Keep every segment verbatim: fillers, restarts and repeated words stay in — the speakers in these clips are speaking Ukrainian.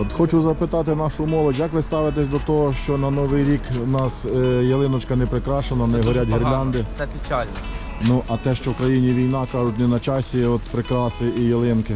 От хочу запитати нашу молодь, як ви ставитесь до того, що на Новий рік у нас е, ялиночка не прикрашена, не горять гірлянди? Це печально. Ну, а те, що в країні війна, кажуть, не на часі, от прикраси і ялинки.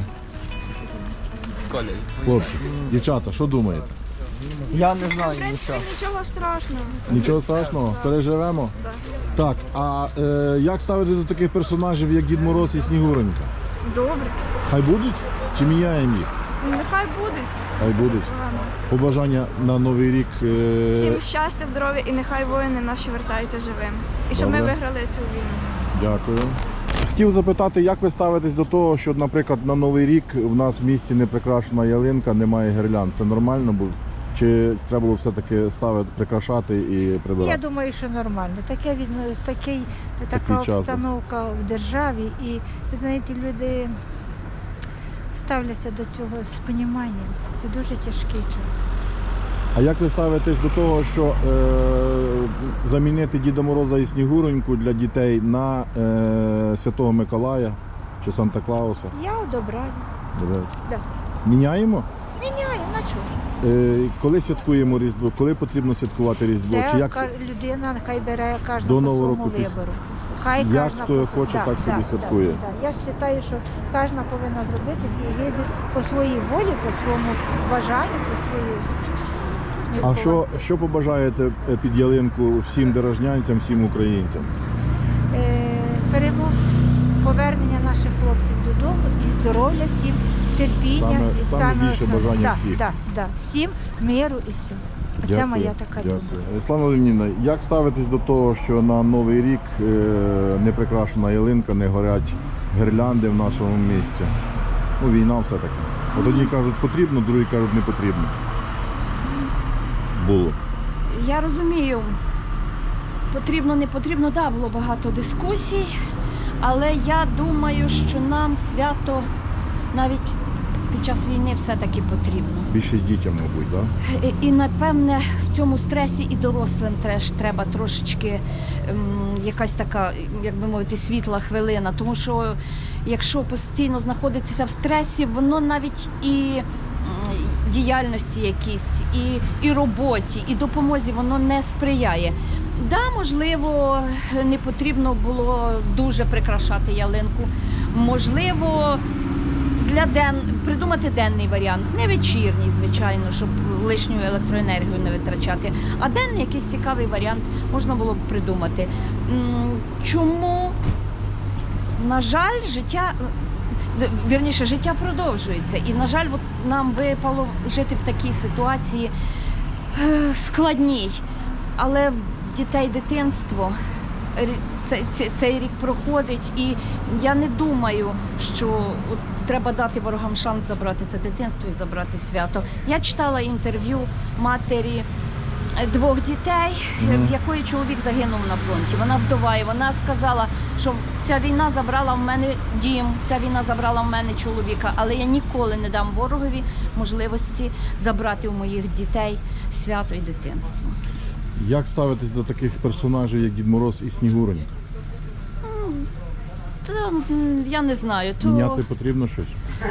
Коля, Хлопці, дівчата, що думаєте? я не знаю В принципі, нічого. нічого страшного. Нічого страшного? Переживемо? Да. Так, а е, як ставитесь до таких персонажів, як Дід Мороз і Снігуронька? Добре. Хай будуть? Чи міняємо їх? Нехай буде. Хай будуть. Ладно. Побажання на Новий рік. Е, Всім щастя, здоров'я і нехай воїни наші вертаються живими. І щоб ми Добре. виграли цю війну. Дякую. Хотів запитати, як ви ставитесь до того, що, наприклад, на Новий рік в нас в місті не прикрашена ялинка, немає гірлянд. Це нормально було? Чи треба було все-таки ставити, прикрашати і прибирати? Я думаю, що нормально. Таке відно, такий, така Такий час. обстановка в державі, і ви знаєте, люди ставляться до цього з поніманням. Це дуже тяжкий час. А як ви ставитесь до того, що е, замінити Діда Мороза і Снігуроньку для дітей на е, Святого Миколая чи Санта-Клауса? Я одобраю. Да. Міняємо? Міняємо, на чого ж? Е, коли святкуємо Різдво? Коли потрібно святкувати Різдво? Це Чи як ка- людина нехай бере кожна До по Нового своєму року піс- вибору. Хай Як кожна хто по хоче, своєму. так собі святкує. Да, да. Я вважаю, що кожна повинна зробити свій вибір по своїй волі, по своєму бажанню, по своїй. А що, що побажаєте е, під ялинку всім дорожнянцям, всім українцям? Е, перемог, повернення наших хлопців додому і здоров'я всім, терпіння. Саме- і саме більше основне- бажання да, всіх. Да, да, всім миру і все. Це Дякую, моя така думка. дякую. Світлана Леонідівна, як ставитесь до того, що на Новий рік е, не прикрашена ялинка, не горять гірлянди в нашому місті? Ну, війна все-таки. От одні кажуть потрібно, другі кажуть не потрібно. Було. Я розумію, потрібно, не потрібно, так, було багато дискусій, але я думаю, що нам свято навіть під час війни все-таки потрібно. Більше дітям, мабуть, так? І, і напевне, в цьому стресі і дорослим теж треба трошечки ем, якась така, як би мовити, світла хвилина. Тому що якщо постійно знаходитися в стресі, воно навіть і м, діяльності якісь, і, і роботі, і допомозі воно не сприяє. Да, можливо, не потрібно було дуже прикрашати ялинку. Можливо, для ден... придумати денний варіант, не вечірній, звичайно, щоб лишню електроенергію не витрачати, а денний якийсь цікавий варіант можна було б придумати. М, Чому? На жаль, життя, д- вірніше, життя продовжується. І, на жаль, от нам випало жити в такій ситуації е, складній. Але в дітей дитинство, рі- цей, цей, цей рік проходить, і я не думаю, що от треба дати ворогам шанс забрати це дитинство і забрати свято. Я читала інтерв'ю матері двох дітей, Мгм. в якої чоловік загинув на фронті. Вона вдова, і вона сказала, що ця війна забрала в мене дім, ця війна забрала в мене чоловіка, але я ніколи не дам ворогові можливості забрати у моїх дітей свято і дитинство. Як ставитесь до таких персонажів, як Дід Мороз і Снігуронька? Та, м, я не знаю, то Міняти потрібно щось?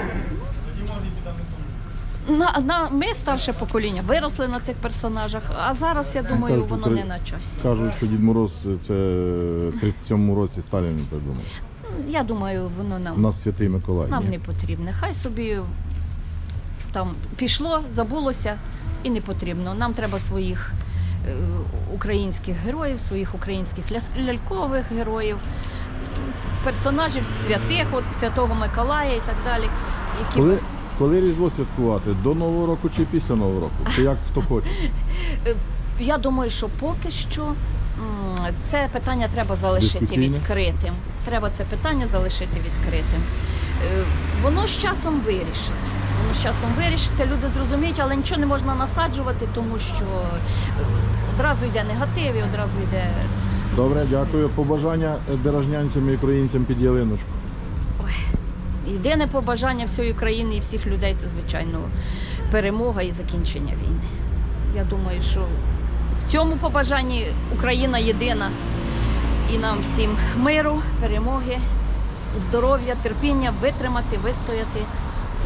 на, на, ми старше покоління виросли на цих персонажах, а зараз, я думаю, кажуть, воно це- не на часі. Кажуть, що Дід Мороз це в тридцять сьомому році Сталін придумав. Я думаю, воно У нам, нас Святий Миколай. нам ні? не потрібне. Хай собі там пішло, забулося і не потрібно. Нам треба своїх е, українських героїв, своїх українських ля- лялькових героїв, персонажів святих, от Святого Миколая і так далі. Які... Коли, коли Різдво святкувати? До Нового року чи після Нового року? Чи як хто хоче? Я думаю, що поки що м, це питання треба залишити Дискусійне? відкритим. Треба це питання залишити відкритим. Е, Воно з часом вирішиться. Воно з часом вирішиться, люди зрозуміють, але нічого не можна насаджувати, тому що е, одразу йде негатив і одразу йде. Добре, дякую. Побажання дорожнянцям і українцям під ялиночку. Єдине побажання всієї країни і всіх людей це, звичайно, перемога і закінчення війни. Я думаю, що в цьому побажанні Україна єдина. І нам всім миру, перемоги, здоров'я, терпіння, витримати, вистояти і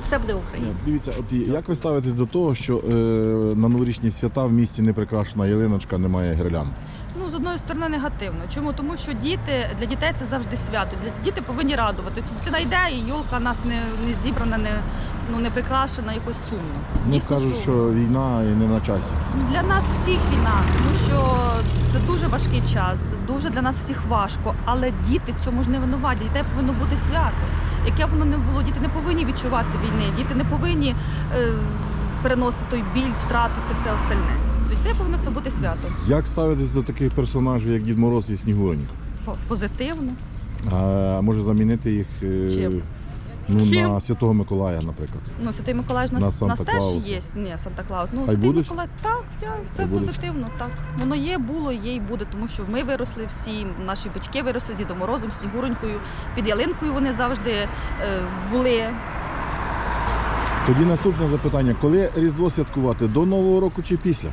все буде Україна. Дивіться, от як ви ставитесь до того, що е, на новорічні свята в місті не прикрашена ялиночка, немає гірлянд? Ну, з одної сторони негативно. Чому? Тому що діти, для дітей це завжди свято. Для діти повинні радуватися. Дитина йде, і йолка у нас не, не зібрана, не, ну, не прикрашена, якось сумно. Ну, Дійсно кажуть, сумно. що війна і не на часі. Для нас всіх війна, тому що це дуже важкий час, дуже для нас всіх важко, але діти в цьому ж не винуваті. Дітей повинно бути свято. Яке б воно не було, діти не повинні відчувати війни, діти не повинні е, переносити той біль, втрату, це все остальне. Для дітей повинно це бути свято. Як ставитесь до таких персонажів, як Дід Мороз і Снігуронька? По- Позитивно. А може замінити їх е, Чим? ну, Чим? на Святого Миколая, наприклад? Ну, Святий Миколай ж На нас, нас Санта-Клауса. теж є. Ні, Санта-Клаус. Ну, А й Святий будуть? Миколай, так, я, це А й будуть? позитивно, так. Воно є, було, є і буде, тому що ми виросли всі, наші батьки виросли з Дідом Морозом, Снігуронькою, під ялинкою вони завжди е, були. Тоді наступне запитання. Коли Різдво святкувати? До Нового року чи після?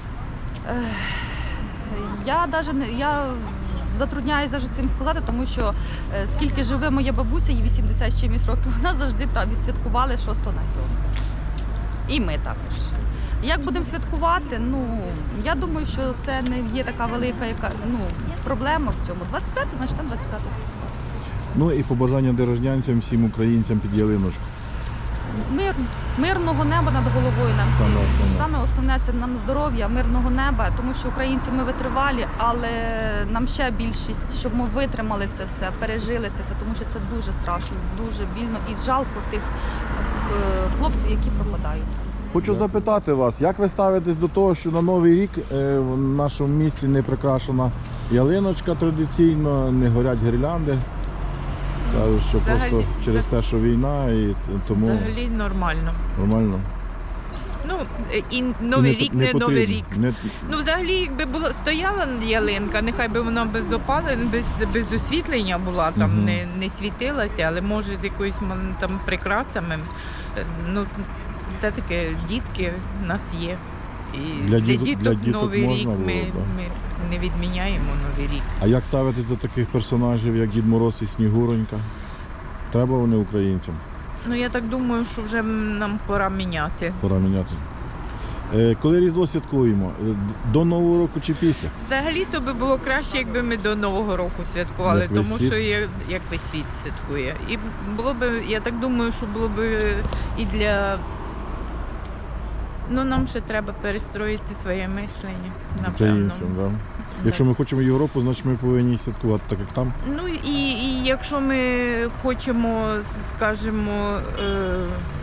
Я навіть не я затрудняюсь навіть цим сказати, тому що е, скільки живе моя бабуся, їй вісімдесят з чимось років, вона завжди так відсвяткували шостого на сьомого. І ми також. Як будемо святкувати? Ну я думаю, що це не є така велика яка ну проблема в цьому. двадцять п'ятого, значить там двадцять п'ятого святкувати. Ну і побажання дорожнянцям, всім українцям під ялиночку. Мир, мирного неба над головою нам всім. Саме основне. Саме основне це нам здоров'я, мирного неба, тому що українці ми витривалі, але нам ще більшість, щоб ми витримали це все, пережили це все, тому що це дуже страшно, дуже більно і жалко тих е, хлопців, які пропадають. Хочу запитати вас, як ви ставитесь до того, що на Новий рік е, в нашому місті не прикрашена ялиночка традиційно, не горять гірлянди? Кажуть, що Взагалі, просто через те, що війна, і т- тому Взагалі нормально. нормально. Ну і новий І рік, не, потрібно. новий рік. Не- Ну, взагалі, якби було стояла ялинка, нехай би вона без опалення, без, без освітлення була, там Мгм. не, не світилася, але може з якоюсь м, там прикрасами. Е, Ну, все-таки дітки в нас є. І Для для, діток- діток, для діток новий можна рік було, ми, так. ми не відміняємо новий рік. А як ставитесь до таких персонажів, як Дід Мороз і Снігуронька? Треба вони українцям? Ну я так думаю, що вже нам пора міняти. Пора міняти. Е, Коли Різдво святкуємо? Е, д- До Нового року чи після? Взагалі то би було краще, якби ми до Нового року святкували, Як весь тому світ? що є, як весь світ святкує. І було б, я так думаю, що було б і для. Ну, нам ще треба перестроїти своє мислення, напевно. Українцям, да? Якщо ми хочемо Європу, значить ми повинні святкувати так, як там. Ну і, і якщо ми хочемо, скажімо, е,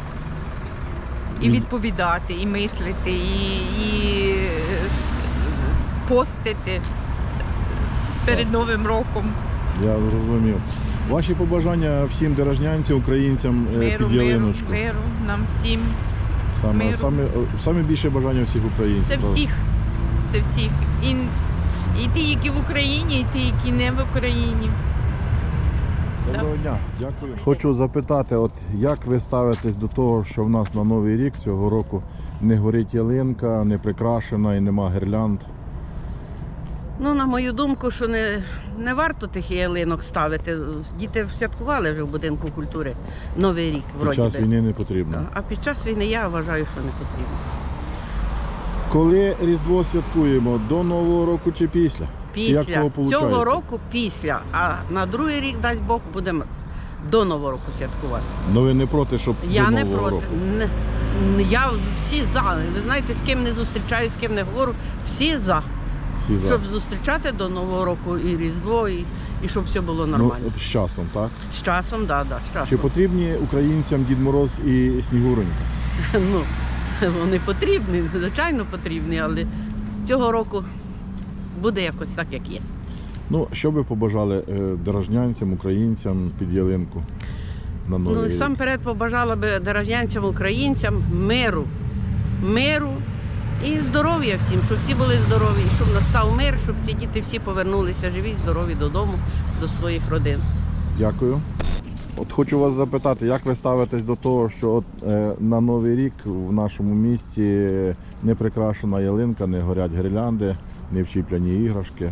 і І- відповідати, і мислити, і, і е, постити перед Новим роком. Я зрозумів. Ваші побажання всім дорожнянцям, українцям е, Миру, під миру, ялиночку. миру нам всім. Саме, миру. саме, саме більше бажання всіх українців. Це правда? всіх. Це всіх. І, і ті, які в Україні, і ті, які не в Україні. Доброго дня, дякую. Хочу запитати, от як ви ставитесь до того, що в нас на Новий рік цього року не горить ялинка, не прикрашена і нема гірлянд? Ну, на мою думку, що не, не варто тих ялинок ставити. Діти святкували вже в будинку культури Новий рік, Під вроді час би. війни не потрібно. А під час війни я вважаю, що не потрібно. Коли Різдво святкуємо? До Нового року чи після? Як Після того цього получається? року після, а на другий рік, дасть Бог, будемо до Нового року святкувати. Ну ви не проти, щоб Я до не Нового проти. року? Не, не- я всі за. Ви знаєте, з ким не зустрічаюсь, з ким не говорю, всі за. Всі за. Щоб зустрічати до Нового року і Різдво, і, і щоб все було Ну, нормально. от з часом, так? З часом, так, да, да, з Чи часом. потрібні українцям Дід Мороз і Снігуронька? Ну, це вони потрібні, звичайно потрібні, але цього року буде якось так, як є. Ну, що би побажали е, дорожнянцям, українцям під ялинку на Новий Ну, і рік? сам перед побажала би дорожнянцям, українцям миру, миру і здоров'я всім, щоб всі були здорові, щоб настав мир, щоб ці діти всі повернулися живі, здорові додому, до своїх родин. Дякую. От хочу вас запитати, як ви ставитесь до того, що от, е, на Новий рік в нашому місті не прикрашена ялинка, не горять гірлянди, не вчіпляні іграшки.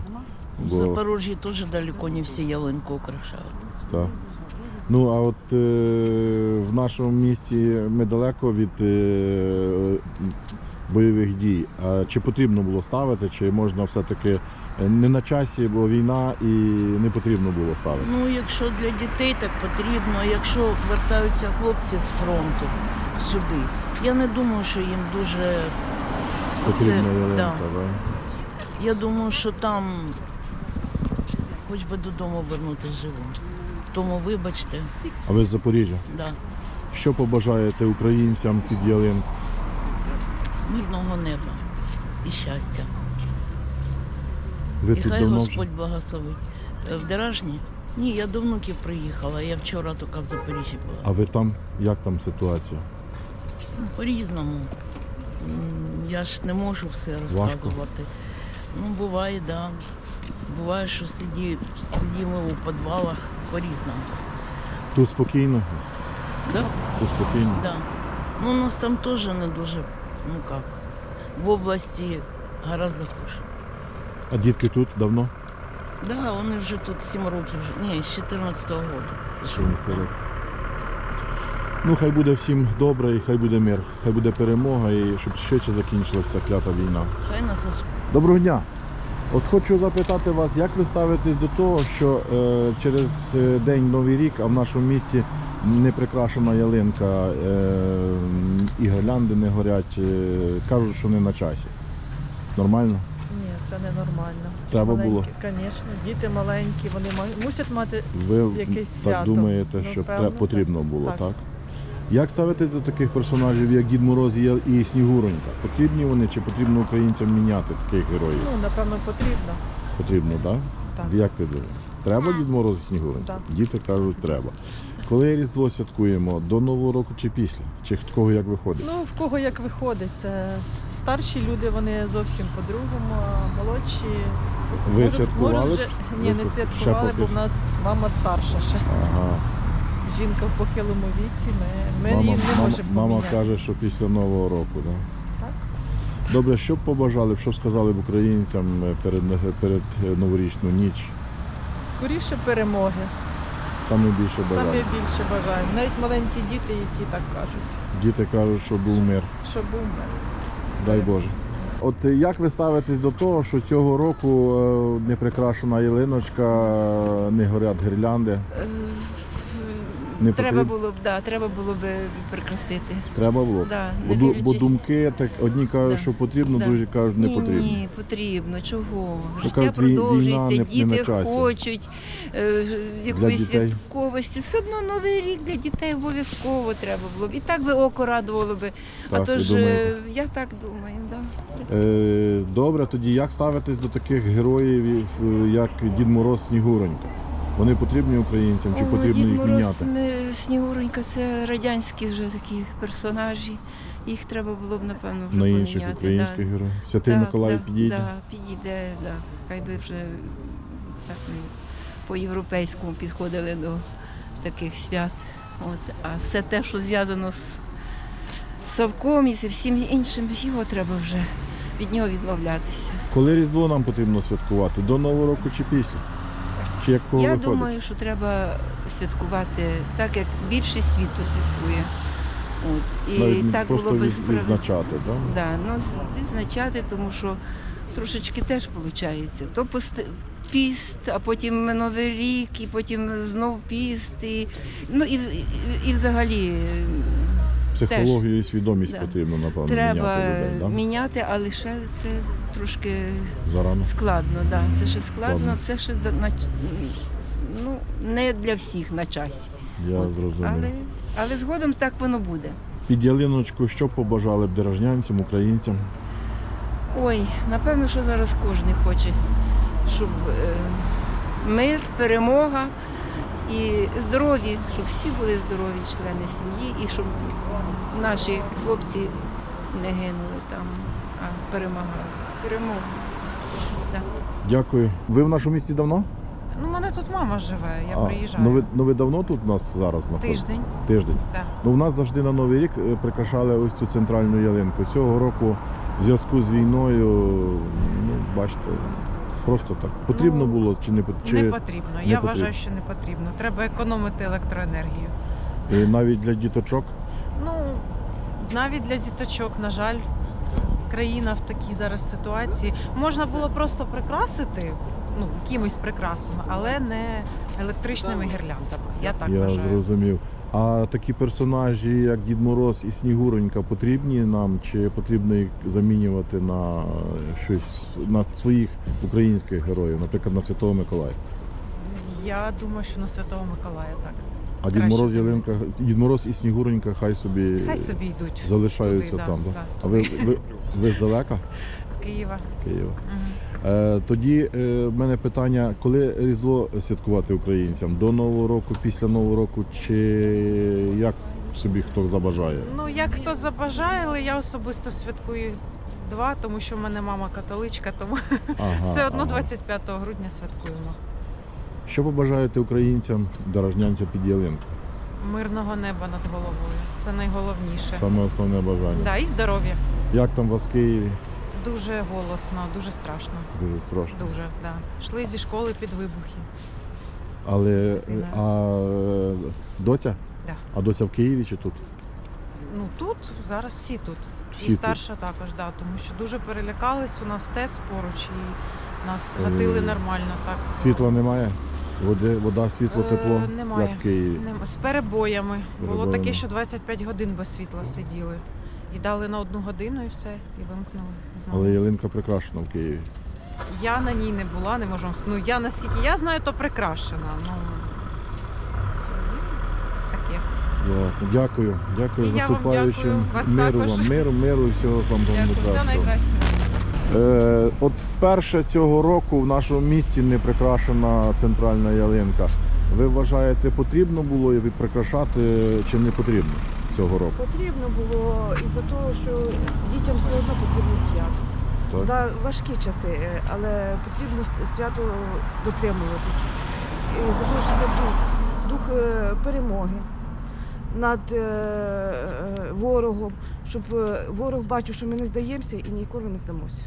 В Бо, Запорожье тоже далеко не все ялинку украшают. так. Ну, а от е, в нашому місті ми далеко від е, бойових дій. А чи потрібно було ставити, чи можна все-таки не на часі, бо війна і не потрібно було ставити? Ну, якщо для дітей так потрібно, а якщо вертаються хлопці з фронту сюди, я не думаю, що їм дуже Потрібна це- ялинка, да. да. Я думаю, що там хоч би додому вернутися живим. Тому вибачте, А ви з Запоріжжя? да, Що побажаєте українцям під ялинку? мирного неба і щастя. Ви І тут хай давно вже? Господь благословить. Е, В Деражні? Ні, я до внуків приїхала, я вчора тільки в Запоріжжі була. А ви там, як там ситуація? Ну, по-різному. М, Я ж не можу все розказувати. Ну, буває, так. Да. Буває, що сиді, сидімо у підвалах по-різному. Тут спокійно? Да? Тут спокійно. Да. Ну, у нас там теж не дуже, ну як, в області гораздо хуже. А дітки тут давно? Да, вони вже тут сім років, вже. Ні, з чотирнадцятого року. Що вони ходять? Ну, хай буде всім добре і хай буде мир, хай буде перемога і щоб швидше закінчилася клята війна. Хай нас ос- Доброго дня! От хочу запитати вас, як ви ставитесь до того, що е, через е, день Новий рік, а в нашому місті не прикрашена ялинка, е, і гірлянди не горять, е, кажуть, що не на часі. Нормально? Ні, це ненормально. Треба Маленькі, було. Звісно, діти маленькі, вони ма- мусять мати. Ви Якесь так свято. думаєте, Ну, що певно, тре- потрібно так. було, Так. так? Як ставитесь до таких персонажів, як Дід Мороз і Ял- і Снігуронька? Потрібні вони чи потрібно українцям міняти таких героїв? Ну, напевно, потрібно. Потрібно, так? Так. Як ти думаєш? Треба Дід Мороз і Снігуронька? Так. Діти кажуть, треба. Коли Різдво святкуємо? До Нового року чи після? Чи в кого як виходить? Ну, в кого як виходить. Це старші люди, вони зовсім по-другому, а молодші. Ви можуть- святкували? можуть вже- Ні, Ви не ще святкували, поки бо в що? нас мама старша ще. Ага. Жінка в похилому віці, ми, ми Мама, її не мама, можемо мама поміняти. каже, що після Нового року, так? Так? Добре, що б побажали, б, що б сказали б українцям е, перед, перед е, новорічну ніч? Скоріше перемоги. Саме більше Саме бажали. більше бажаємо. Навіть маленькі діти, і ті так кажуть, Діти кажуть, що був мир. що був мир. Дай Боже. От е, як ви ставитесь до того, що цього року е, не прикрашена ялиночка, е, не горять гірлянди? Не Треба потрібно? було б, да, треба було б прикрасити. Треба було? Да, Бо, не ду- бо дивлячись- думки, так одні кажуть, Да. що потрібно, Да. другі кажуть, не ні, потрібно. Ні, потрібно. Чого? Ну, Життя кажуть, вій- війна продовжується, не- не діти на часі. хочуть е, ж- якоїсь дітей. святковості. Все одно новий рік для дітей обов'язково треба було б. І так би око радувало би. А Так, то ви ж е, думаєте? я так думаю, да. Е, добре, тоді як ставитесь до таких героїв, е, як Дід Мороз, Снігуронька? Вони потрібні українцям чи О, потрібно Дід їх Мороз, міняти? ми- Снігуренька це радянські вже такі персонажі. Їх треба було б, напевно, вже На поміняти. інших українських да. героїв? Святий Так, Миколай да, підійде? Да, підійде, да. Хай би вже так ми по-європейському підходили до таких свят. От. А все те, що зв'язано з Савком і зі всім іншим, його треба вже від нього відмовлятися. Коли Різдво нам потрібно святкувати? До Нового року чи після? Чи як кого Я виходить? думаю, що треба святкувати так, як більшість світу святкує. От. І Навіть так просто було би від- справедливо. відзначати, так? Да, ну, з- відзначати, тому що трошечки теж виходить. То пост- піст, а потім Новий рік, і потім знов піст. І, ну, і, і, і взагалі е, Психологію і свідомість Да. потрібно, напевно, треба міняти людей, так? міняти, але ще це трошки Зарано. складно. Да. Це ще складно, Складно. це ще до- на, ну, не для всіх на часі. Я От. зрозумів. Але, але згодом так воно буде. Під ялиночку що побажали б деражнянцям, українцям? Ой, напевно, що зараз кожен хоче, щоб е, мир, перемога і здорові, щоб всі були здорові члени сім'ї, і щоб наші хлопці не гинули там, а перемагали. З перемогою. Да. Дякую. Ви в нашому місті давно? Ну, у мене тут мама живе, я А, приїжджаю. Ну ви, ну ви давно тут у нас зараз знаходитесь? Тиждень. Тиждень. Да. Ну в нас завжди на Новий рік е, прикрашали ось цю центральну ялинку. Цього року в зв'язку з війною, ну, бачите, Просто так. Потрібно Ну, було чи не, пот- чи Не потрібно. не Я потрібно? вважаю, що не потрібно. Треба економити електроенергію. І навіть для діточок? Ну, навіть для діточок, на жаль, країна в такій зараз ситуації. Можна було просто прикрасити, ну, якимись прикрасами, але не електричними гірляндами. Я так Я вважаю. зрозумів. А такі персонажі, як Дід Мороз і Снігуронька, потрібні нам, чи потрібно їх замінювати на щось, на своїх українських героїв, наприклад, на Святого Миколая? Я думаю, що на Святого Миколая так. А Дід Краще Мороз, замінити. Ялинка, Дід Мороз і Снігуронька хай собі, Хай собі йдуть. залишаються туди, там. да, Да? да, А ви, туди. ви, ви здалека? З Києва. Києва. Мгм. Е, тоді е, в мене питання, коли Різдво святкувати українцям? До Нового року, після Нового року, чи як собі хто забажає? Ну, як хто забажає, але я особисто святкую два, тому що в мене мама католичка, тому Ага, все одно ага. двадцять п'ятого грудня святкуємо. Що побажаєте українцям, дорожнянцям під ялинку? Мирного неба над головою. Це найголовніше. Саме основне бажання. Да, і здоров'я. Як там у вас в Києві? Дуже голосно, дуже страшно. Дуже страшно. Дуже, да. Йшли зі школи під вибухи. Але е, Дитина. а е, доця? Да. А доця в Києві чи тут? Ну тут зараз всі тут. Всі і тут. старша також, да, тому що дуже перелякались. У нас ТЕЦ поруч і нас Е, гатили нормально. Так. Світла немає? Води, вода, світло, Е, тепло? немає. Як в Києві? Нема- З перебоями. Було Перебоями. таке, що двадцять п'ять годин без світла сиділи. І дали на одну годину і все, і вимкнули. знову. Але ялинка прикрашена в Києві. Я на ній не була, не можу вам сказати. Ну я наскільки я знаю, то прикрашена. Ну таке. Ясно. Дякую. Дякую І я вам наступаючим. дякую. Вас Миру також. вам, миру, миру і всього вам Дякую, найкращого. все найкраще. Е, от вперше цього року в нашому місті не прикрашена центральна ялинка. Ви вважаєте, потрібно було її прикрашати чи не потрібно цього року? Потрібно було із-за того, що дітям все одно потрібно свято. Так? Да, важкі часи, е, але потрібно с- свято дотримуватися. І за того, що це дух, дух е, перемоги над е, е, ворогом, щоб е, ворог бачив, що ми не здаємося і ніколи не здамося.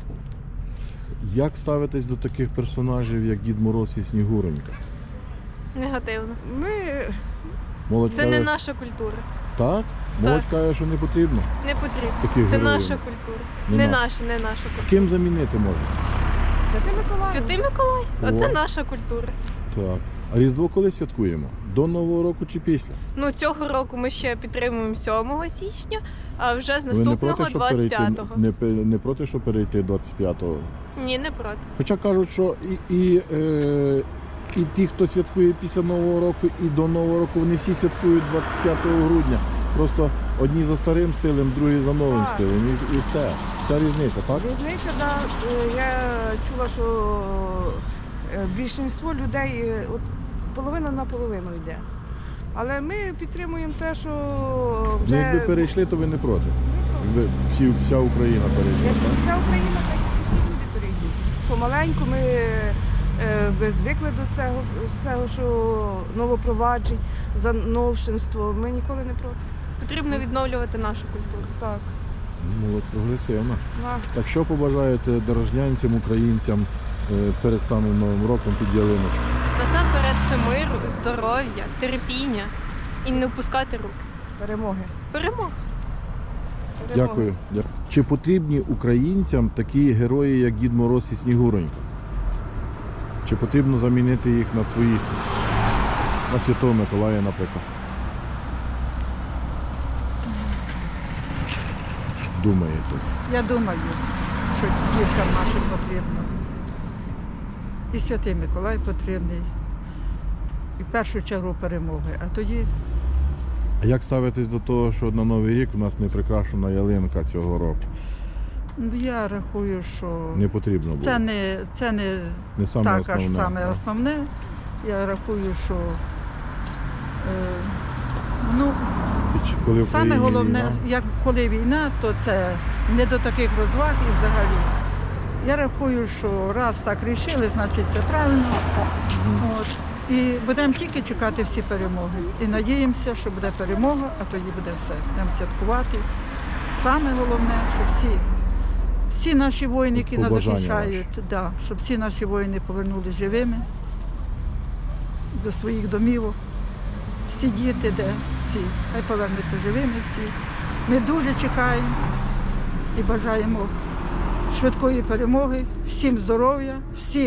Як ставитесь до таких персонажів, як Дід Мороз і Снігуронька? Негативно. Ми Молодь Це каже, не наша культура. так? Молодь каже, що не потрібно. Не потрібно. Таких Це героїв. наша культура. Не Не наша. наша, не наша культура. Ким замінити можна? Святий Миколай. Святий Миколай. Оце О. наша культура. Так. А Різдво коли святкуємо? До Нового року чи після? Ну цього року ми ще підтримуємо сьомого січня, а вже з Ви не наступного проти, щоб двадцять перейти, п'ятого. не, пе- не проти, що перейти двадцять п'ятого? Ні, не проти. Хоча кажуть, що і, і, е, і ті, хто святкує після Нового року, і до Нового року, вони всі святкують двадцять п'ятого грудня. Просто одні за старим стилем, другі за новим Так. стилем. І, і все. Вся різниця, так? Різниця, да. Е, Я чула, що е, більшість людей, е, от половина на половину йде. Але ми підтримуємо те, що вже Ну, якби перейшли, то ви не проти. Якби всі, вся Україна перейшла. Як Так? вся Україна, так і всі люди перейдуть. Помаленьку ми е, би звикли до цього всього, що новопроваджень, за новшинство. Ми ніколи не проти. Потрібно відновлювати нашу культуру. Так. Молодь прогресивна. Да. Так що побажаєте дорожнянцям, українцям е, перед самим Новим роком під ялиночку? Насамперед це миру, здоров'я, терпіння і не впускати руки. Перемоги. Перемога. Дякую. Дякую. Чи потрібні українцям такі герої, як Дід Мороз і Снігуронька? Чи потрібно замінити їх на своїх, на Святого Миколая, наприклад? Думаєте? Я думаю, що діткам нашим потрібно. І Святий Миколай потрібний. І в першу чергу перемоги. А тоді А як ставитесь до того, що на Новий рік у нас не прикрашена ялинка цього року? ну, я рахую, що Не потрібно було. це не, це не Не саме так основне. аж саме так. основне. Я рахую, що е, ну, І чи- коли в саме країні головне, війна, як коли війна, то це не до таких розваг і взагалі. Я рахую, що раз так рішили, значить це правильно. От. І будемо тільки чекати всі перемоги. І надіємося, що буде перемога, а тоді буде все. Будемо святкувати. Саме головне, щоб всі, всі наші воїни, які нас Побажання захищають, да, щоб всі наші воїни повернулися живими до своїх домівок. Всі діти, де всі, хай повернуться живими всі. Ми дуже чекаємо і бажаємо швидкої перемоги, всім здоров'я, всім,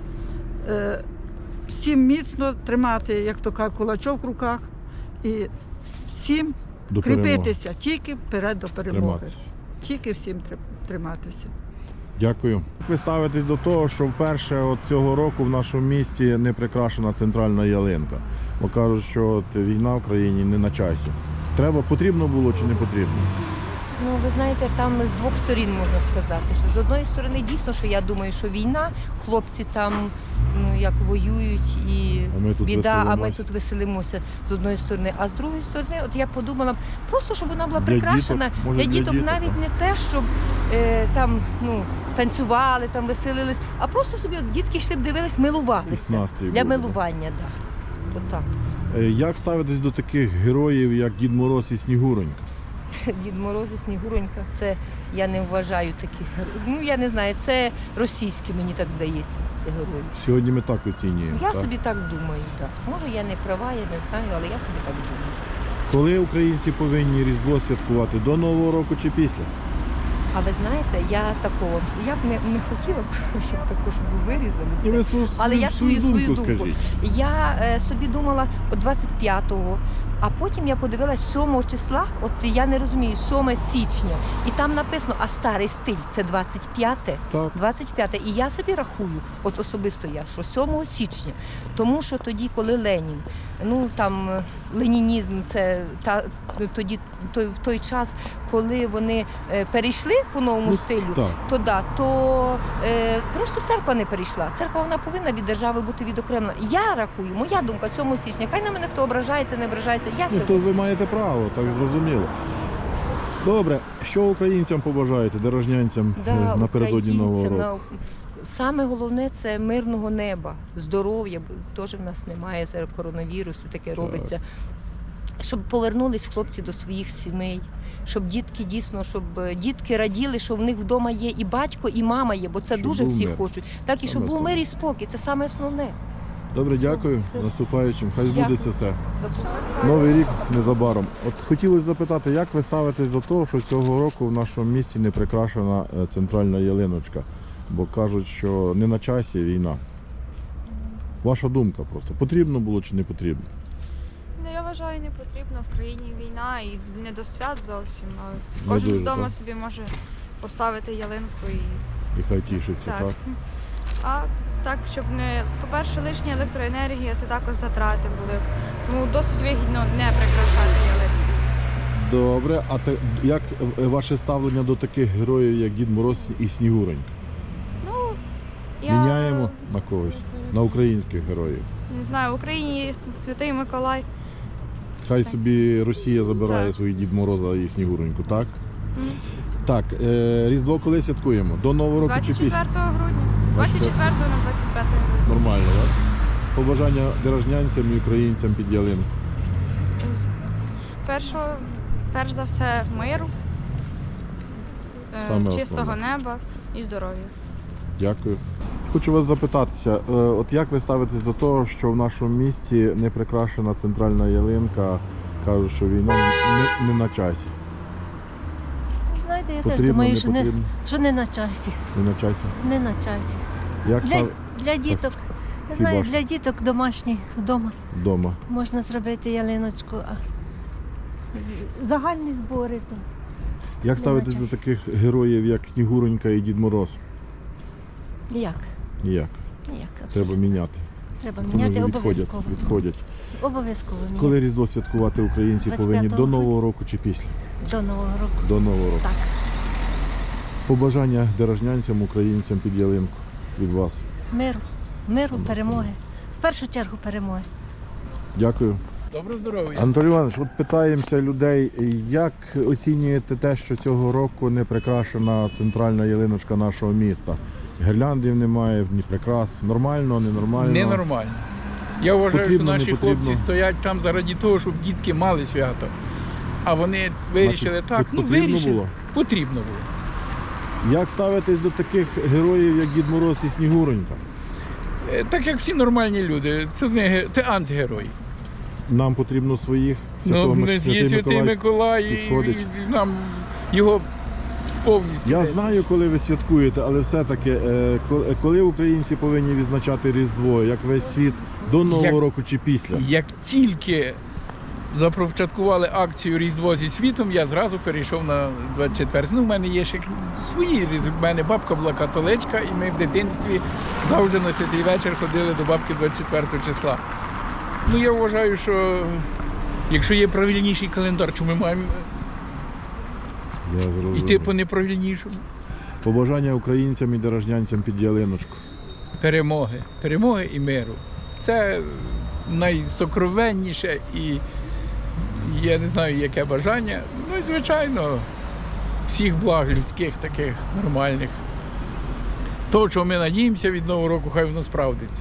е, всім міцно тримати, як то кажуть, кулачок в руках і всім До перемоги. кріпитися, тільки вперед до перемоги. Триматися. Тільки всім тр- триматися. Дякую. Як ви ставитесь до того, що вперше от цього року в нашому місті не прикрашена центральна ялинка? Бо кажуть, що от війна в країні не на часі. Треба, потрібно було чи не потрібно? Ну, ви знаєте, там з двох сторін можна сказати. Що з одної сторони, дійсно, що я думаю, що війна, хлопці там ну, як воюють і А ми тут біда, а ми веселимося. тут веселимося з одної сторони. А з другої сторони, от я подумала, просто щоб вона була Для прикрашена діток, може, для для діток, діток, навіть так. не те, щоб е, там ну, танцювали, там веселились, а просто собі от, дітки йшли б дивились, милувалися. Настрій Для був, да. милування, так. Да. Отак. Е, Як ставитесь до таких героїв, як Дід Мороз і Снігуронька? Дід Мороз і Снігуронька, це я не вважаю таких героїв. Ну я не знаю, це російські, мені так здається, це герої. Сьогодні ми так оцінюємо. Я так? собі так думаю, так. Може я не права, я не знаю, але я собі так думаю. Коли українці повинні Різдво святкувати? До Нового року чи після? А ви знаєте, я такого, я б не, не хотіла б, щоб також ви вирізали І ви це. свою, Але я свою свою думку. скажіть. Я е, собі думала от двадцять п'ятого, а потім я подивилась сьомого числа, от я не розумію, сьоме січня, і там написано, а старий стиль це двадцять п'яте. Так. двадцять п'яте. І я собі рахую, от особисто я, що сьомого січня, тому що тоді, коли Ленін, ну там е, ленінізм, це та тоді той в той час, коли вони е, перейшли по новому Ну, стилю, так. то да, то е, просто церква не перейшла. Церква вона повинна від держави бути відокремлена. Я рахую, моя думка, сьомого січня. Хай на мене хто ображається, не ображається. Я Ну, сьомого то ви січня. маєте право, так зрозуміло. Добре, що українцям побажаєте, дорожнянцям Да, е, напередодні Нового українцям, року? на- Саме головне це мирного неба, здоров'я, бо теж в нас немає зараз коронавірусу, таке робиться. Щоб повернулись хлопці до своїх сімей, щоб дітки дійсно, щоб е, дітки раділи, що в них вдома є і батько, і мама є, бо це Щоб дуже був всі мир. хочуть. Так і щоб Саме був то. мир і спокій, це саме основне. Добре, Все, дякую. все. Наступаючим. Хай Дякую. збудеться все. До побачення. Новий рік незабаром. От хотілося запитати, як ви ставитесь до того, що цього року в нашому місті не прикрашена е, центральна ялиночка? Бо кажуть, що не на часі війна. Ваша думка просто. Потрібно було чи не потрібно? Ну, я вважаю, не потрібно. В країні війна і не до свят зовсім. Але Не кожен дуже, вдома так. собі може поставити ялинку і І хай тішиться, так? так. А так, щоб не, по-перше, лишня електроенергія, це також затрати були. Ну, досить вигідно не прикрашати ялинку. Добре, а те, як е, ваше ставлення до таких героїв, як Дід Мороз і Снігуронька? Ну, я Міняємо на когось, на українських героїв. не знаю, в Україні Святий Миколай. Хай Так. собі Росія забирає Так. своїх Дід Мороза і Снігуроньку, так? М. Так, е, Різдво коли святкуємо? До Нового року чи двадцять після? четвертого грудня. двадцять четвертого на двадцять п'яте грудня. Нормально, так? Побажання дорожнянцям і українцям під ялинку. Першого, перш за все, миру, е, Саме чистого основне. неба і здоров'я. Дякую. Хочу вас запитатися, е, от як ви ставитесь до того, що в нашому місті не прикрашена центральна ялинка, кажуть, що війна не, не на часі. Знаєте, я Потрібно, теж думаю, не що не, потрібно? що не на часі. Не на часі. Не на часі. Як Для, став для діток, я Хіба знаю, ж? для діток домашніх вдома вдома? можна зробити ялиночку, а з- загальні збори то Як Не ставитесь на до часі. таких героїв, як Снігуронька і Дід Мороз? ніяк. Ніяк. Ніяк. Треба абсолютно. міняти. Треба Вони міняти вже відходять. обов'язково. відходять. Обов'язково міняти. Коли Різдво святкувати українці двадцять повинні? п'ятого До Нового року чи після? До Нового року. До Нового року. Так. Побажання дорожнянцям, українцям під ялинку від вас. Миру. Миру, перемоги. В першу чергу перемоги. Дякую. Добро здоров'я. Анатолій Іванович, от питаємося людей, як оцінюєте те, що цього року не прикрашена центральна ялиночка нашого міста? Гірляндів немає, ні прикрас. Нормально, ненормально? Ненормально. Я вважаю, Потрібно, що не наші потрібно? хлопці стоять там заради того, щоб дітки мали свято. А вони вирішили Значить, так, ну потрібно вирішили. було? Потрібно було. Як ставитесь до таких героїв, як Дід Мороз і Снігуронька? Е, Так як всі нормальні люди, це не ге- це антигерой. Нам потрібно своїх. Святого Ну, Мик- є Святий Миколай, і, підходить. і нам його повністю. Я десь. знаю, коли ви святкуєте, але все-таки, е, ко- коли українці повинні відзначати Різдво, як весь світ, до Нового Як- року чи після? Як тільки започаткували акцію Різдво зі світом, я зразу перейшов на двадцять четверте. Ну, в мене є ще свої різдви. У мене бабка була католичка, і ми в дитинстві завжди на святий вечір ходили до бабки двадцять четвертого числа. Ну, я вважаю, що якщо є правильніший календар, чому ми маємо Я зрозумів. йти по неправильнішому? Побажання українцям і дорожнянцям під ялиночку. Перемоги. Перемоги і миру. Це найсокровенніше і я не знаю, яке бажання. Ну і звичайно, всіх благ людських, таких нормальних. То, чого ми надіємося від Нового року, хай воно справдиться.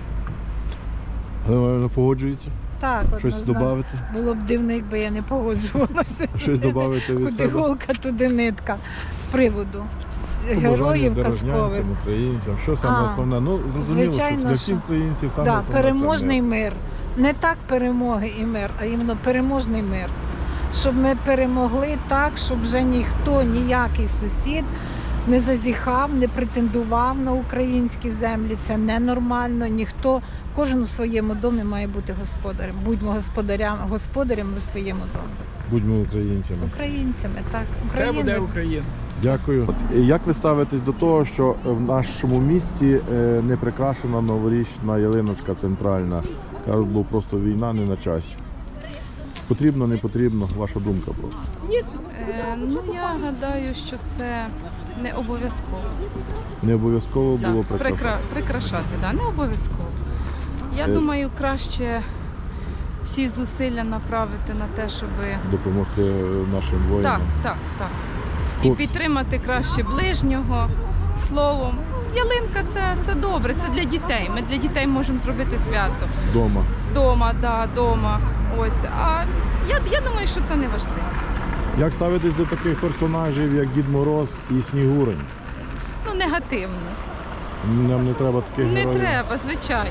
Галина погоджується? Так, Щось однозначно. додати? Було б дивно, якби я не погоджувалася. Щось додати від Куди себе? голка, туди нитка. З приводу з Побажання героїв казкових. дорожнянцям, українцям. Що саме А, основне? Ну, зрозуміло, звичайно, що для що- всіх українців саме Да, основне це переможний мир. мир. Не так перемоги і мир, а іменно переможний мир. Щоб ми перемогли так, щоб вже ніхто, ніякий сусід не зазіхав, не претендував на українські землі. Це ненормально. Ніхто, кожен у своєму домі має бути господарем. Будьмо господарям, господарями в своєму домі. Будьмо українцями. Українцями, так. Все буде Україна. Україна. Дякую. От, як ви ставитесь до того, що в нашому місті е, не прикрашена новорічна ялиночка центральна? Кажуть, бо просто війна не на часі. Потрібно, не потрібно? Ваша думка просто. Е, ну я гадаю, що це не обов'язково. Не обов'язково Да, було прикрашати. прикра- прикрашати, да, не обов'язково. Я Е. думаю, краще всі зусилля направити на те, щоб Допомогти нашим воїнам. так, так, так. І Хлопці. підтримати краще ближнього словом. Ялинка це, це добре, це для дітей. Ми для дітей можемо зробити свято. Дома. Дома, да, дома. Ось. А я, я думаю, що це не важливо. Як ставитесь до таких персонажів, як Дід Мороз і Снігурень? Ну, негативно. Нам не треба таких Не героїв. треба, звичайно.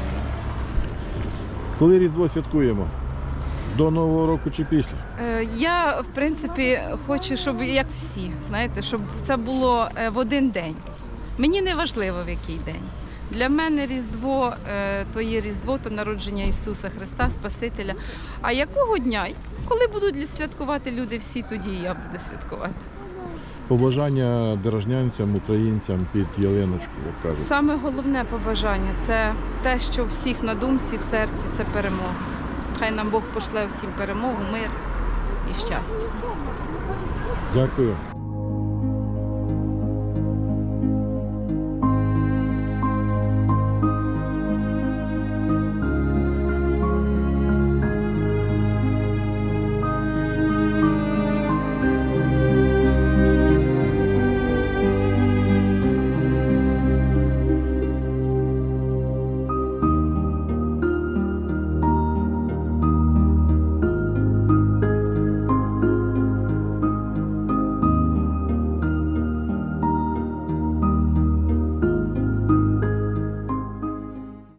Коли Різдво святкуємо? До Нового року чи після? Е, Я, в принципі, хочу, щоб як всі, знаєте, щоб це було е, в один день. Мені не важливо, в який день. Для мене Різдво, е, то є Різдво, то народження Ісуса Христа, Спасителя. А якого дня? Коли будуть святкувати люди всі, тоді і я буду святкувати. Побажання дорожнянцям, українцям під ялиночку, як кажуть. Саме головне побажання – це те, що всіх на думці, в серці – це перемога. Хай нам Бог пошле всім перемогу, мир і щастя. Дякую.